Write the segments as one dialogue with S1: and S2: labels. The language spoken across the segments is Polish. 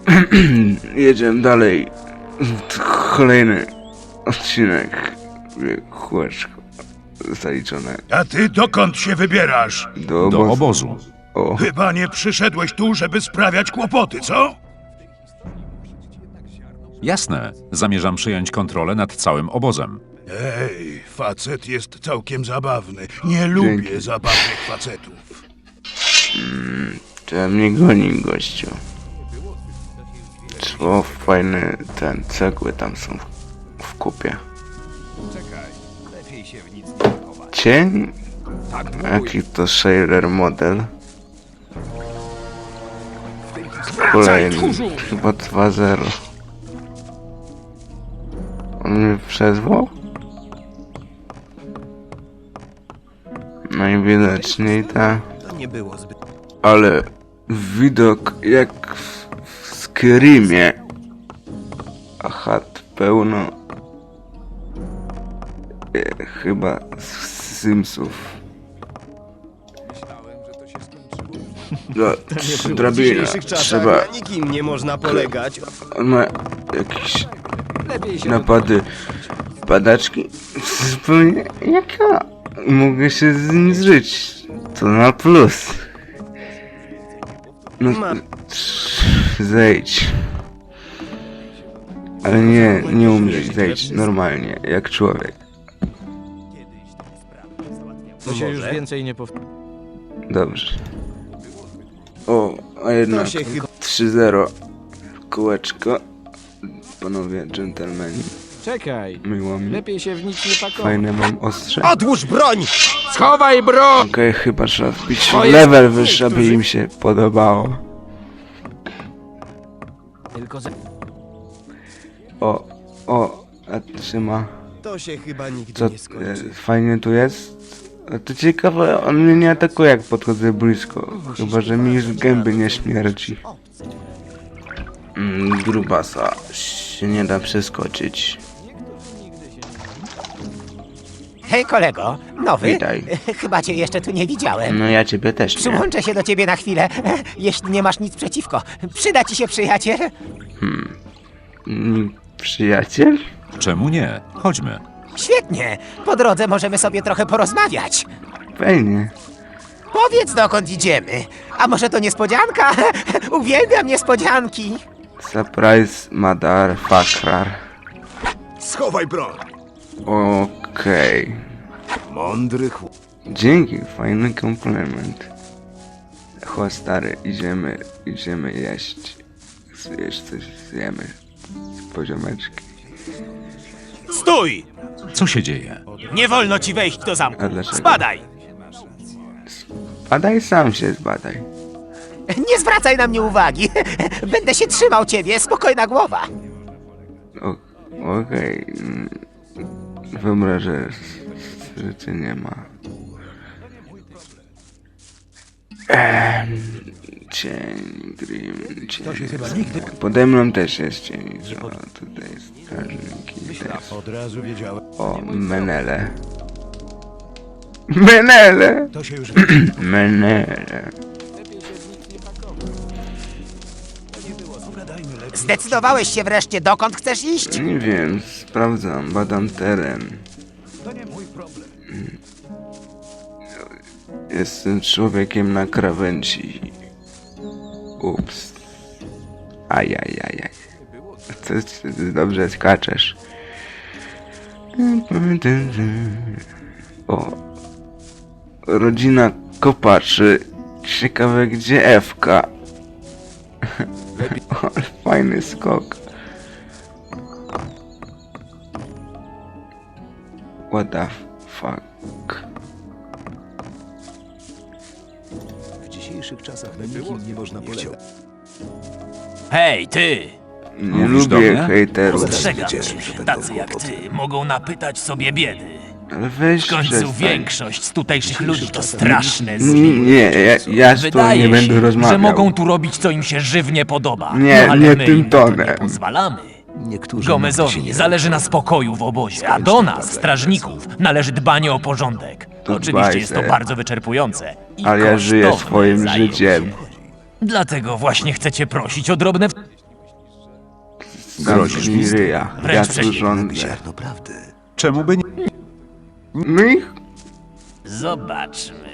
S1: Jedziemy dalej. Kolejny odcinek. Kółeczko zaliczone.
S2: A ty dokąd się wybierasz?
S1: Do
S3: Do
S1: obozu.
S3: obozu.
S1: O,
S2: Chyba nie przyszedłeś tu, żeby sprawiać kłopoty, co?
S3: Jasne, zamierzam przejąć kontrolę nad całym obozem.
S2: Ej, facet jest całkiem zabawny. Nie lubię
S1: Dzięki.
S2: zabawnych facetów.
S1: trzeba mnie goni, gościu. Co fajne cegły tam są w kupie. Cień? Jaki to shader model? Kolejny. Chyba 2.0. On mnie przezwał? Najwidoczniej tak. Ale widok jak w Skyrimie. A chat pełno. Chyba z Simsów. No, drabina. Trzeba.
S4: Na nikim nie można polegać.
S1: On ma jakieś napady padaczki. Zupełnie jak ja. Mogę się z nim zżyć. To na plus. No, zejdź. Ale nie umrzeć, zejdź normalnie, jak człowiek.
S4: To się już więcej nie powtórzy.
S1: Dobrze. O, a jednak
S4: To się chyba...
S1: 3-0. Kółeczko. Panowie dżentelmeni.
S4: Czekaj.
S1: Miło mi.
S4: Lepiej się w nic nie pakować.
S1: Fajne mam ostrze.
S4: Odłóż broń!
S5: Schowaj broń!
S1: Okej, chyba trzeba wbić
S5: To jest
S1: level wyższy, aby im się podobało.
S4: Tylko za...
S1: O, a trzyma.
S4: To się chyba nigdy
S1: Co,
S4: nie skończy.
S1: fajnie tu jest? A to ciekawe, on mnie nie atakuje jak podchodzę blisko. Chyba, że mi już gęby nie śmierdzi. Grubasa się nie da przeskoczyć.
S6: Hej kolego, nowy?
S1: Witaj.
S6: Chyba cię jeszcze tu nie widziałem.
S1: No ja ciebie też nie.
S6: Przyłączę się do ciebie na chwilę, jeśli nie masz nic przeciwko. Przyda ci się przyjaciel?
S1: Przyjaciel?
S3: Czemu nie? Chodźmy.
S6: Świetnie, po drodze możemy sobie trochę porozmawiać.
S1: Fajnie.
S6: Powiedz dokąd idziemy. A może to niespodzianka? Uwielbiam niespodzianki.
S1: Surprise motherfucker.
S2: Schowaj broń.
S1: Okej.
S2: Mądry chłop.
S1: Dzięki, fajny komplement. Chodź stary, idziemy jeść. Zjesz coś, zjemy. Z poziomeczki.
S5: Stój!
S3: Co się dzieje?
S5: Nie wolno ci wejść do zamku.
S1: A dlaczego?
S5: Spadaj!
S1: Badaj, sam się zbadaj.
S6: Nie zwracaj na mnie uwagi. Będę się trzymał ciebie, spokojna głowa.
S1: Okej. Wyobrażę, że cię nie ma. Cień, Grim, cień. To się chyba nigdy... Pode mną też jest cień. O, tutaj jest strażnik i też.
S2: Od razu wiedziałem.
S1: O, Menele. Menele!
S2: To się już...
S1: Menele.
S6: Zdecydowałeś się wreszcie, dokąd chcesz iść?
S1: Nie wiem, sprawdzam, badam teren. Jestem człowiekiem na krawędzi. Ups. Ajajajaj. Ty dobrze skaczesz. O. Rodzina kopaczy. Ciekawe gdzie Ewka. Ale fajny skok. What the fuck?
S4: W dzisiejszych czasach na nikim nie można polegać.
S5: Hej, ty!
S1: Nie
S3: Mówisz do
S1: lubię
S3: mnie?
S1: hejterów.
S5: Ostrzegam cię, tacy jak ty mogą napytać sobie biedy.
S1: Ale weź
S5: W końcu
S1: przestań.
S5: większość z tutejszych ludzi to straszne
S1: Nie,
S5: zły.
S1: ja z tobą
S5: Wydaje
S1: nie będę
S5: się,
S1: rozmawiał.
S5: że mogą tu robić co im się żywnie podoba.
S1: Nie,
S5: no, ale
S1: nie
S5: my
S1: tym
S5: im na to nie
S1: tonem.
S5: pozwalamy.
S4: Niektórzy
S5: Gomezowi zależy na spokoju w obozie, a do nas, strażników, należy dbanie o porządek.
S1: To
S5: Oczywiście
S1: dbaj
S5: jest to
S1: se.
S5: bardzo wyczerpujące i
S1: Ale ja żyję
S5: kosztowne
S1: swoim
S5: zajęcie.
S1: życiem.
S5: Dlatego właśnie chcecie prosić o drobne...
S3: Grozisz mi?
S1: Zamknij ryja. Ja
S5: Wręcz
S1: tu
S5: przeciwnie.
S1: rządzę.
S4: Ziarno prawdy.
S3: Czemu by nie?
S1: No i
S5: Zobaczmy.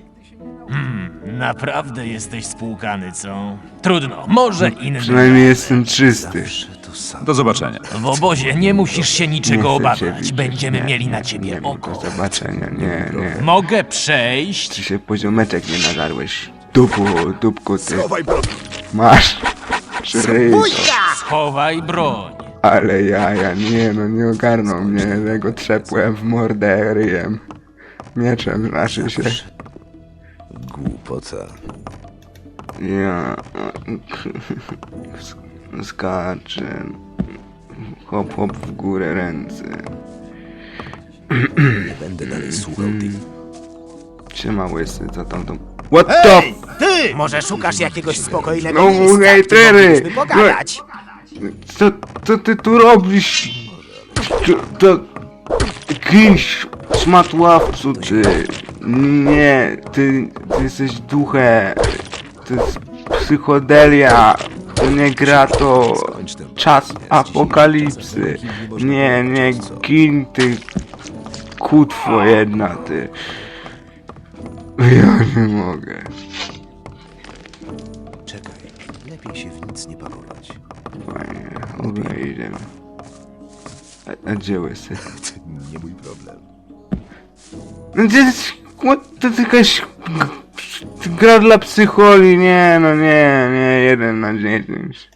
S5: Naprawdę jesteś spłukany, co? Trudno, może inny.
S1: przynajmniej jestem czysty.
S4: Zawsze to samo.
S3: Do zobaczenia.
S5: W obozie nie musisz się
S1: Nie
S5: niczego
S1: chcę cię
S5: obawiać.
S1: widzieć.
S5: Będziemy
S1: Nie,
S5: mieli na
S1: nie,
S5: ciebie
S1: nie, Do
S5: oko.
S1: zobaczenia, nie.
S5: Mogę przejść?
S1: Czy się poziomeczek nie nagarłeś? Dupku ty.
S2: Chowaj broń.
S1: Masz. Ryj to.
S5: Schowaj broń.
S1: Ale ja nie ogarnął mnie, tego trzepłem w mordę ryjem. Mieczem znaczy się.
S4: Głupota.
S1: Ja... Skaczę. Hop w górę ręce.
S4: Nie będę dalej słuchał tych...
S1: Siema łysy, co tam to... What the...
S6: Ty! Może szukasz jakiegoś spokojnego
S1: No,
S6: miejsca, gdzie
S1: hejtery!
S6: moglibyśmy pogadać?
S1: Co ty tu robisz? To... Kimś szmatławcu, ty. Nie, ty jesteś duchem. To jest psychodelia. To nie gra, to czas apokalipsy. Nie, gin, ty kutwo jedna, ty. Ja nie mogę.
S4: Czekaj, lepiej się w nic nie pakować.
S1: Fajnie, dobra, idziemy. A gdzie łysy?
S4: Nie mój problem.
S1: No to jest jakaś gra dla psycholi, nie, jeden na 10.